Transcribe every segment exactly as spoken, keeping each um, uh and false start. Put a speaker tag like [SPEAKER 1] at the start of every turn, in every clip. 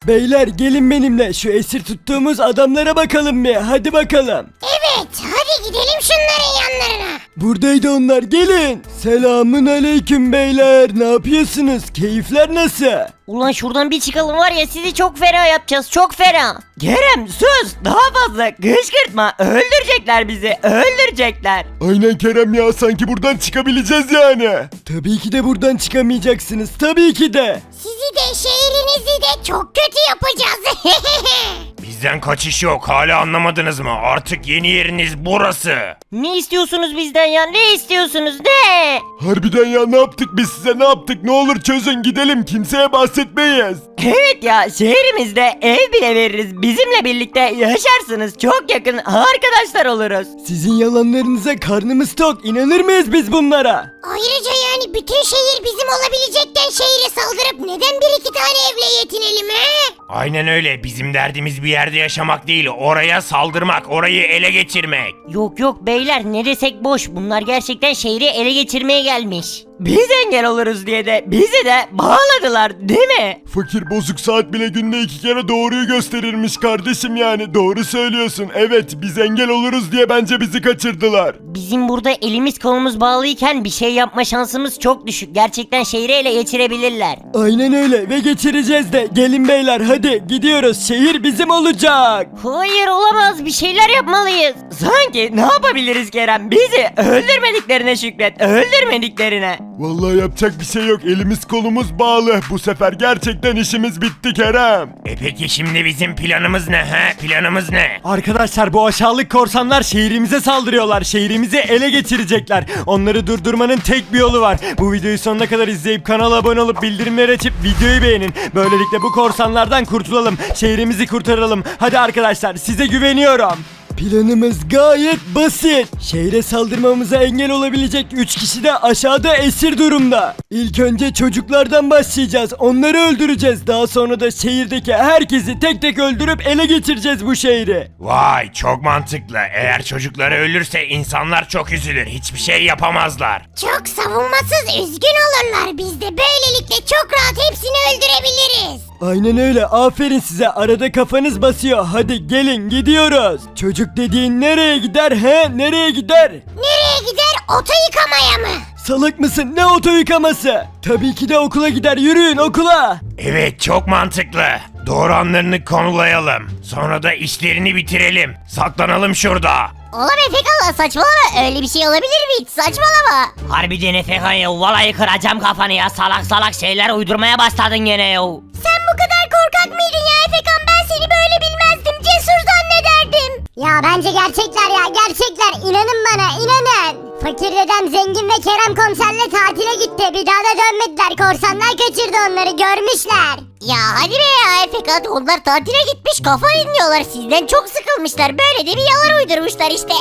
[SPEAKER 1] Beyler gelin benimle şu esir tuttuğumuz adamlara bakalım bir hadi bakalım.
[SPEAKER 2] Evet, hadi gidelim şunların yanlarına.
[SPEAKER 1] Buradaydı onlar gelin. Selamın aleyküm beyler ne yapıyorsunuz keyifler nasıl?
[SPEAKER 3] Ulan şuradan bir çıkalım var ya sizi çok fena yapacağız çok fena. Kerem sus daha fazla kışkırtma öldürecekler bizi öldürecekler.
[SPEAKER 1] Aynen Kerem ya sanki buradan çıkabileceğiz yani. Tabii ki de buradan çıkamayacaksınız tabii ki de.
[SPEAKER 2] Sizi de şehrinizi de çok kötü yapacağız.
[SPEAKER 4] Bizden kaçış yok. Hala anlamadınız mı? Artık yeni yeriniz burası.
[SPEAKER 3] Ne istiyorsunuz bizden ya ne istiyorsunuz ne?
[SPEAKER 1] Harbiden ya ne yaptık biz size ne yaptık ne olur çözün gidelim kimseye bahsetmeyiz.
[SPEAKER 3] Evet ya şehrimizde ev bile veririz bizimle birlikte yaşarsınız çok yakın arkadaşlar oluruz.
[SPEAKER 1] Sizin yalanlarınıza karnımız tok inanır mıyız biz bunlara?
[SPEAKER 2] Ayrıca yani bütün şehir bizim olabilecekken şehre saldırıp neden bir iki tane evle yetinelim he?
[SPEAKER 4] Aynen öyle. Bizim derdimiz bir yerde yaşamak değil. Oraya saldırmak, orayı ele geçirmek.
[SPEAKER 3] Yok yok beyler ne desek boş bunlar gerçekten şehri ele geçirmeye gelmiş. Biz engel oluruz diye de bizi de bağladılar değil mi?
[SPEAKER 1] Fakir bozuk saat bile günde iki kere doğruyu gösterirmiş kardeşim yani doğru söylüyorsun. Evet biz engel oluruz diye bence bizi kaçırdılar.
[SPEAKER 3] Bizim burada elimiz kolumuz bağlıyken bir şey yapma şansımız çok düşük. Gerçekten şehri ele geçirebilirler.
[SPEAKER 1] Aynen öyle ve geçireceğiz de gelin beyler hadi gidiyoruz şehir bizim olacak.
[SPEAKER 3] Hayır olamaz bir şeyler yapmalıyız. Sanki ne yapabiliriz Kerem? Bizi öldürmediklerine şükret. Öldürmediklerine.
[SPEAKER 1] Vallahi yapacak bir şey yok elimiz kolumuz bağlı bu sefer gerçekten işimiz bitti Kerem.
[SPEAKER 4] E peki şimdi bizim planımız ne he? Planımız ne?
[SPEAKER 1] Arkadaşlar bu aşağılık korsanlar şehrimize saldırıyorlar. Şehrimizi ele geçirecekler. Onları durdurmanın tek bir yolu var. Bu videoyu sonuna kadar izleyip kanala abone olup bildirimleri açıp videoyu beğenin. Böylelikle bu korsanlardan kurtulalım. Şehrimizi kurtaralım. Hadi arkadaşlar size güveniyorum. Planımız gayet basit. Şehre saldırmamıza engel olabilecek üç kişi de aşağıda esir durumda. İlk önce çocuklardan başlayacağız. Onları öldüreceğiz. Daha sonra da şehirdeki herkesi tek tek öldürüp ele geçireceğiz bu şehri.
[SPEAKER 4] Vay çok mantıklı. Eğer çocukları ölürse insanlar çok üzülür. Hiçbir şey yapamazlar.
[SPEAKER 2] Çok savunmasız üzgün olurlar. Biz de böylelikle çok rahat hepsini öldürebiliriz.
[SPEAKER 1] Aynen öyle. Aferin size. Arada kafanız basıyor. Hadi gelin gidiyoruz. Çocuk dediğin nereye gider he? Nereye gider?
[SPEAKER 2] Nereye gider? Oto yıkamaya mı?
[SPEAKER 1] Salak mısın? Ne oto yıkaması? Tabii ki de okula gider. Yürüyün okula.
[SPEAKER 4] Evet çok mantıklı. Doğru anlarını konulayalım. Sonra da işlerini bitirelim. Saklanalım şurada.
[SPEAKER 2] Oğlum Efekan saçmalama öyle bir şey olabilir mi hiç saçmalama.
[SPEAKER 3] Harbiden Efekan ya vallahi kıracağım kafanı ya salak salak şeyler uydurmaya başladın gene ya.
[SPEAKER 2] Sen bu kadar korkak mıydın ya Efekan ben seni böyle bilmezdim cesur zannederdim. Ya bence gerçekler ya gerçekler inanın bana inanın. Fakir dedem zengin ve Kerem komiserle tatile gitti bir daha da dönmediler korsanlar kaçırdı onları görmüşler. Ya hadi be ya Efekan onlar tatile gitmiş kafa dinliyorlar sizden çok sıkılmışlar böyle de bir yalan uydurmuşlar işte.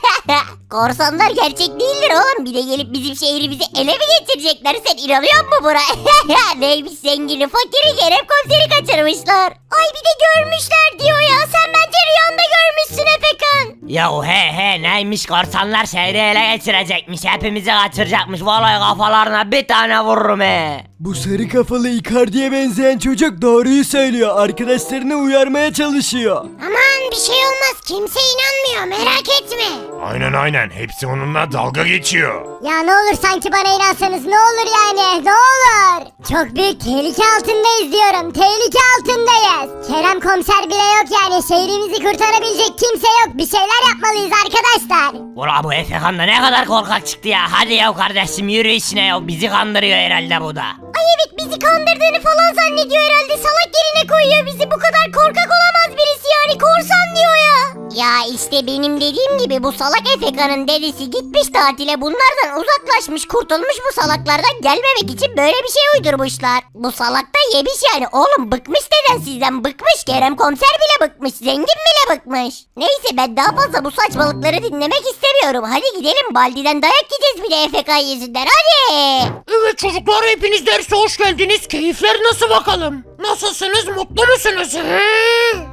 [SPEAKER 2] Korsanlar gerçek değildir oğlum bir de gelip bizim şehrimizi ele mi geçirecekler sen inanıyor musun buna? Neymiş zengini fakiri Kerem komiseri kaçırmışlar. Ay bir de görmüşler diyor ya sen bence rüyanda görmüşsün Efekan.
[SPEAKER 3] Ya he he neymiş korsanlar şehri ele geçirecekmiş hepimizi kaçıracakmış vallahi kafalarına bir tane vururum he.
[SPEAKER 1] Bu sarı kafalı Icardi'ye benzeyen çocuk doğruyu söylüyor. Arkadaşlarını uyarmaya çalışıyor.
[SPEAKER 2] Aman bir şey olmaz kimse inanmıyor merak etme.
[SPEAKER 4] Aynen aynen. Hepsi onunla dalga geçiyor.
[SPEAKER 2] Ya ne olur sanki bana inansanız ne olur yani ne olur. Çok büyük tehlike altındayız diyorum tehlike altındayız. Kerem komiser bile yok yani şehrimizi kurtarabilecek kimse yok bir şeyler yapmalıyız arkadaşlar.
[SPEAKER 3] Ula bu Efekan da ne kadar korkak çıktı ya hadi ya kardeşim yürü işine ya bizi kandırıyor herhalde bu da.
[SPEAKER 2] Ay evet bizi kandırdığını falan zannediyor herhalde salak yerine koyuyor bizi bu kadar korkak olamaz birisi yani korsan diyor ya. Ya işte benim dediğim gibi bu salak Efekan'ın dedesi gitmiş tatile bunlardan uzaklaşmış kurtulmuş bu salaklardan gelmemek için böyle bir şey uydurmuşlar. Bu salak da yemiş yani oğlum bıkmış deden sizden bıkmış Kerem komiser bile bıkmış zengin bile bıkmış. Neyse ben daha fazla bu saçmalıkları dinlemek istemiyorum hadi gidelim Baldi'den dayak yiyeceğiz bir de Efekan yüzünden hadi.
[SPEAKER 5] Evet çocuklar hepiniz derse hoş geldiniz. Keyifler nasıl bakalım? Nasılsınız? Mutlu musunuz? He?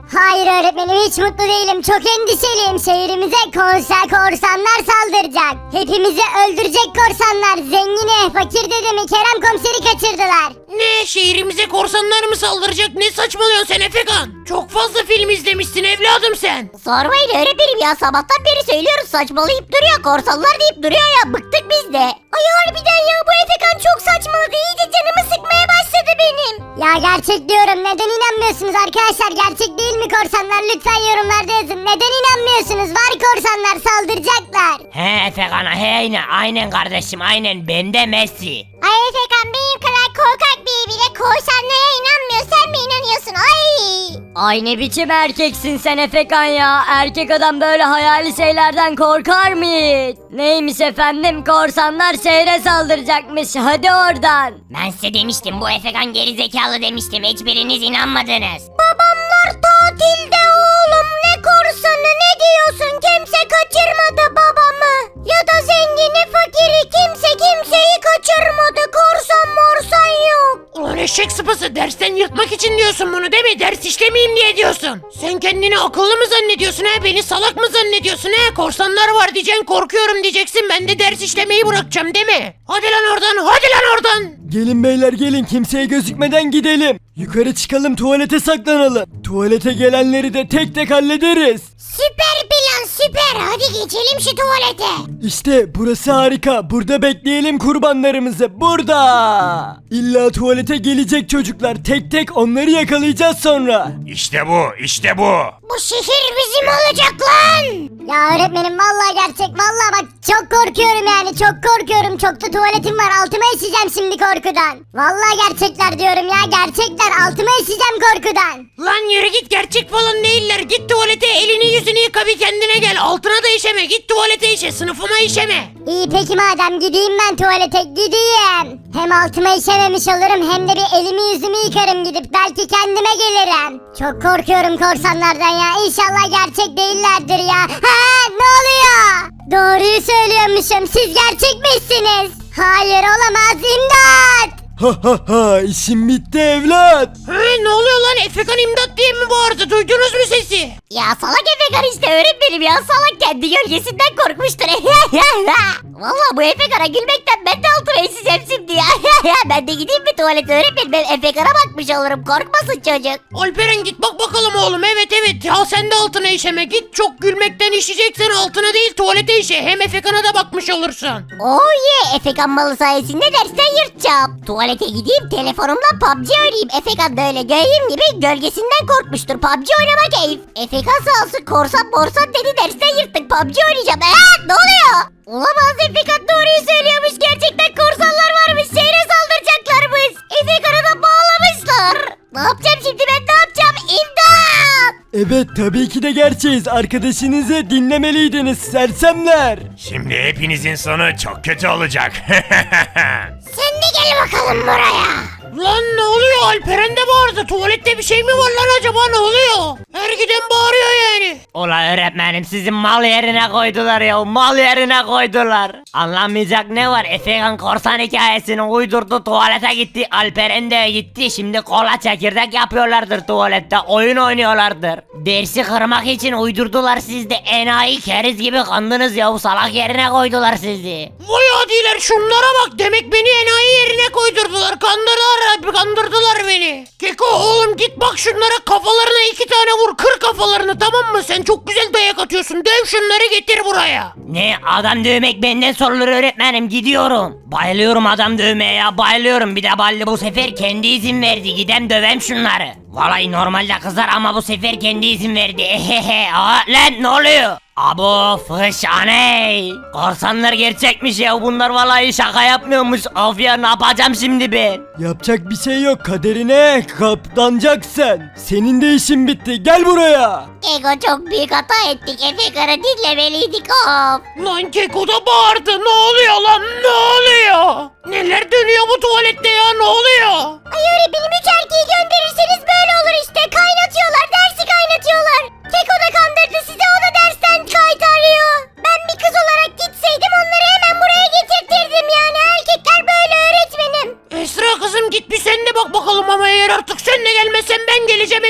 [SPEAKER 2] Hayır öğretmenim, hiç mutlu değilim. Çok endişeliyim. Şehrimize konser korsanlar saldıracak. Hepimizi öldürecek korsanlar. Zengini, fakir dedemi, Kerem komiseri kaçırdılar.
[SPEAKER 5] Ne, şehrimize korsanlar mı saldıracak? Ne saçmalıyorsun sen Efekan? Çok fazla film izlemişsin evladım sen.
[SPEAKER 2] Sormayın öğretmenim ya, sabahtan beri söylüyoruz, saçmalayıp duruyor, korsanlar deyip duruyor ya, bıktık biz de. Ay harbiden ya, bu Efekan çok saçmaladı, iyice canımı sıkmaya başladı benim. Ya gerçek diyorum, neden inanmıyorsunuz arkadaşlar? Gerçek değil mi korsanlar? Lütfen yorumlarda yazın, neden inanmıyorsunuz? Var korsanlar, saldıracaklar.
[SPEAKER 3] He Efekan'a he aynen, aynen kardeşim aynen, ben de Messi.
[SPEAKER 2] Ay Efekan, benim kadar korkak biri bile korsanlara inanmıyor, sen mi inanıyorsun? Ay.
[SPEAKER 6] Ay ne biçim erkeksin sen Efekan ya. Erkek adam böyle hayali şeylerden korkar mı hiç? Neymiş efendim, korsanlar şehre saldıracakmış, hadi oradan.
[SPEAKER 2] Ben size demiştim, bu Efekan gerizekalı demiştim, hiçbiriniz inanmadınız. Babamlar tatilde oğlum, ne korsanı, ne diyorsun? Kimse kaçırmadı babamı. Ya da zengini fakiri, kimse kimseyi kaçırmadı, korsan morsan yok.
[SPEAKER 5] Ulan eşek sıpası, dersten yırtmak için diyorsun bunu değil mi? Ders işlemeyeyim diye diyorsun. Sen kendini akıllı mı zannediyorsun ha? Beni salak mı zannediyorsun ha? Korsanlar var diyeceksin, korkuyorum diyeceksin. Ben de ders işlemeyi bırakacağım değil mi? Hadi lan oradan, hadi lan oradan.
[SPEAKER 1] Gelin beyler gelin, kimseye gözükmeden gidelim. Yukarı çıkalım, tuvalete saklanalım. Tuvalete gelenleri de tek tek hallederiz.
[SPEAKER 2] Süper plan, süper, hadi geçelim şu tuvalete.
[SPEAKER 1] İşte burası harika. Burada bekleyelim kurbanlarımızı. Burada. İlla tuvalete gelecek çocuklar. Tek tek onları yakalayacağız sonra.
[SPEAKER 4] İşte bu, işte bu.
[SPEAKER 2] Bu şehir bizim olacak lan. Ya öğretmenim, vallahi gerçek, vallahi bak çok korkuyorum yani, çok korkuyorum. Çok da tuvaletim var, altıma işeceğim şimdi korkudan. Vallahi gerçekler diyorum ya, gerçekler, altıma işeceğim korkudan.
[SPEAKER 5] Lan yürü git, gerçek falan değiller. Git tuvalete, elini yüzünü yıka, bir kendine gel. Altına da işeme, git tuvalete işe, sınıfıma işeme.
[SPEAKER 2] İyi peki madem, gideyim ben tuvalete, gideyim. Hem altıma işememiş olurum, hem de bir elimi yüzümü yıkarım gidip, belki kendime gelirim. Çok korkuyorum korsanlardan ya, İnşallah gerçek değillerdir ya. Ha, ne oluyor? Doğruyu söylüyormuşum, siz gerçekmişsiniz. Hayır olamaz, imdat.
[SPEAKER 1] Ha ha ha, işim bitti evlat.
[SPEAKER 5] He, ne oluyor lan? Efekan imdat diye mi bağırdı? Duydunuz mu sesi?
[SPEAKER 6] Ya salak Efekan işte öğretmenim ya, salak kendi gölgesinden korkmuştur. Vallahi bu Efekan'a gülmekten ben de altıma eseceğim şimdi ya. Ben de gideyim bir tuvalete öğretmenim, ben Efekan'a bakmış olurum, korkmasın çocuk.
[SPEAKER 5] Alperen git bak bakalım oğlum. Evet evet ya, sen de altına işeme. Git, çok gülmekten işeyeceksen altına değil tuvalete işe. Hem Efekan'a da bakmış olursun.
[SPEAKER 6] Oh yeah, Efekan malı sayesinde dersten yırtacağım. Tuvalete gideyim, telefonumla P U B G oynayayım. Efekan da öyle gördüğüm gibi gölgesinden korkmuştur. P U B G oynama keyif. Efekan sağ olsun, korsan borsan dedi, dersten yırttık, P U B G oynayacağım. Eee ne oluyor? Olamaz, Efekan doğruyu söylüyormuş, gerçekten korsanlar varmış, şehre saldıracaklarmış. Efekan'ı da bağlamışlar. Ne yapacağım şimdi ben, ne yapacağım? İmdat!
[SPEAKER 1] Evet tabii ki de gerçeğiz. Arkadaşınızı dinlemeliydiniz sersemler.
[SPEAKER 4] Şimdi hepinizin sonu çok kötü olacak.
[SPEAKER 2] Sen de gel bakalım buraya.
[SPEAKER 5] Lan ne oluyor? Alperen de bağırdı. Tuvalette bir şey mi var lan acaba, ne oluyor? Her giden bağırıyor yani.
[SPEAKER 3] Ula öğretmenim, sizi mal yerine koydular ya, mal yerine koydular. Anlamayacak ne var? Efekan korsan hikayesini uydurdu, tuvalete gitti, Alperen de gitti. Şimdi kola çekirdek yapıyorlardır tuvalette, oyun oynuyorlardır. Dersi kırmak için uydurdular, siz de enayi keriz gibi kandınız ya, salak yerine koydular sizi.
[SPEAKER 5] Vay adiler, şunlara bak, demek beni enayi yerine koydurdular. Kandırdılar, kandırdılar beni. Keko oğlum git bak şunlara, kafalarına iki tane vur, kır kafalarını, tamam mı? Sen çok güzel dayak atıyorsun, döv şunları, getir buraya.
[SPEAKER 3] Ne, adam dövmek benden sorulur öğretmenim, gidiyorum. Bayılıyorum adam dövmeye ya, bayılıyorum. Bir de Balli bu sefer kendi izin verdi, gidem dövem şunları. Vallahi normalde kızar ama bu sefer kendi izin verdi. Ehehe. Aa, lan ne oluyor? Abo fış aney. Korsanlar gerçekmiş ya, bunlar vallahi şaka yapmıyormuş. Of ya, ne yapacağım şimdi ben?
[SPEAKER 1] Yapacak bir şey yok, kaderine katlanacaksın. Senin de işin bitti, gel buraya.
[SPEAKER 2] Ego, çok büyük hata ettik, Efekan'ı dinlemeliydik of.
[SPEAKER 5] Lan Keko da bağırdı, ne oluyor lan, ne oluyor? Neler dönüyor bu tuvalette ya, ne oluyor?
[SPEAKER 2] Ay öğretmenim, üç erkeği gönderirseniz böyle olur işte, kaynatıyorlar, dersi kaynatıyorlar. Keko da kandırdı sizi, o da dersten kaytarıyor. Ben bir kız olarak gitseydim onları hemen buraya getirtirdim yani, erkekler böyle öğretmenim.
[SPEAKER 5] Esra kızım git bir sen de bak bakalım, ama eğer artık sen de gelmezsen ben geleceğim, hepinizin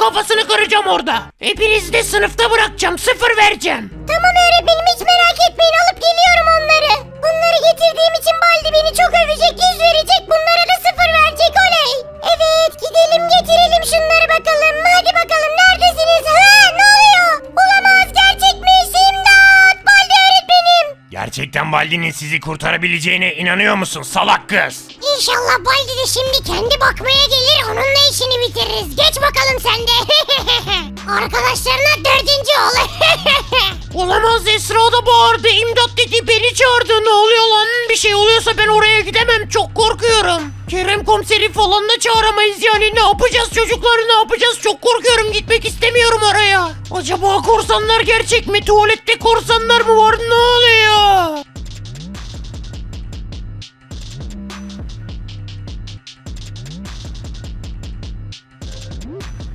[SPEAKER 5] kafasını kıracağım orada. Hepinizi de sınıfta bırakacağım. Sıfır vereceğim.
[SPEAKER 2] Tamam öğretmenim hiç merak etmeyin alıp geliyorum onları. Bunları getirdiğim için Baldi beni çok övecek, yüz verecek, bunlara da sıfır verecek oley. Evet gidelim getirelim şunları bakalım. Hadi bakalım neredesiniz? Ha ne oluyor? Olamaz gerçekmiş imdat Baldi öğretmenim.
[SPEAKER 4] Gerçekten Baldi'nin sizi kurtarabileceğine inanıyor musun salak kız?
[SPEAKER 2] İnşallah Baldi de şimdi kendi bakmaya gelir onunla işini bitiririz. Geç bakalım sen de. Arkadaşlarına dördüncü ol.
[SPEAKER 5] Olamaz, Esra da bağırdı. İmdat dedi, beni çağırdı. Ne oluyor lan? Bir şey oluyorsa ben oraya gidemem. Çok korkuyorum. Kerem komiseri falan da çağıramayız yani. Ne yapacağız çocukları, ne yapacağız? Çok korkuyorum, gitmek istemiyorum oraya. Acaba korsanlar gerçek mi? Tuvalette korsanlar mı var? Ne oluyor?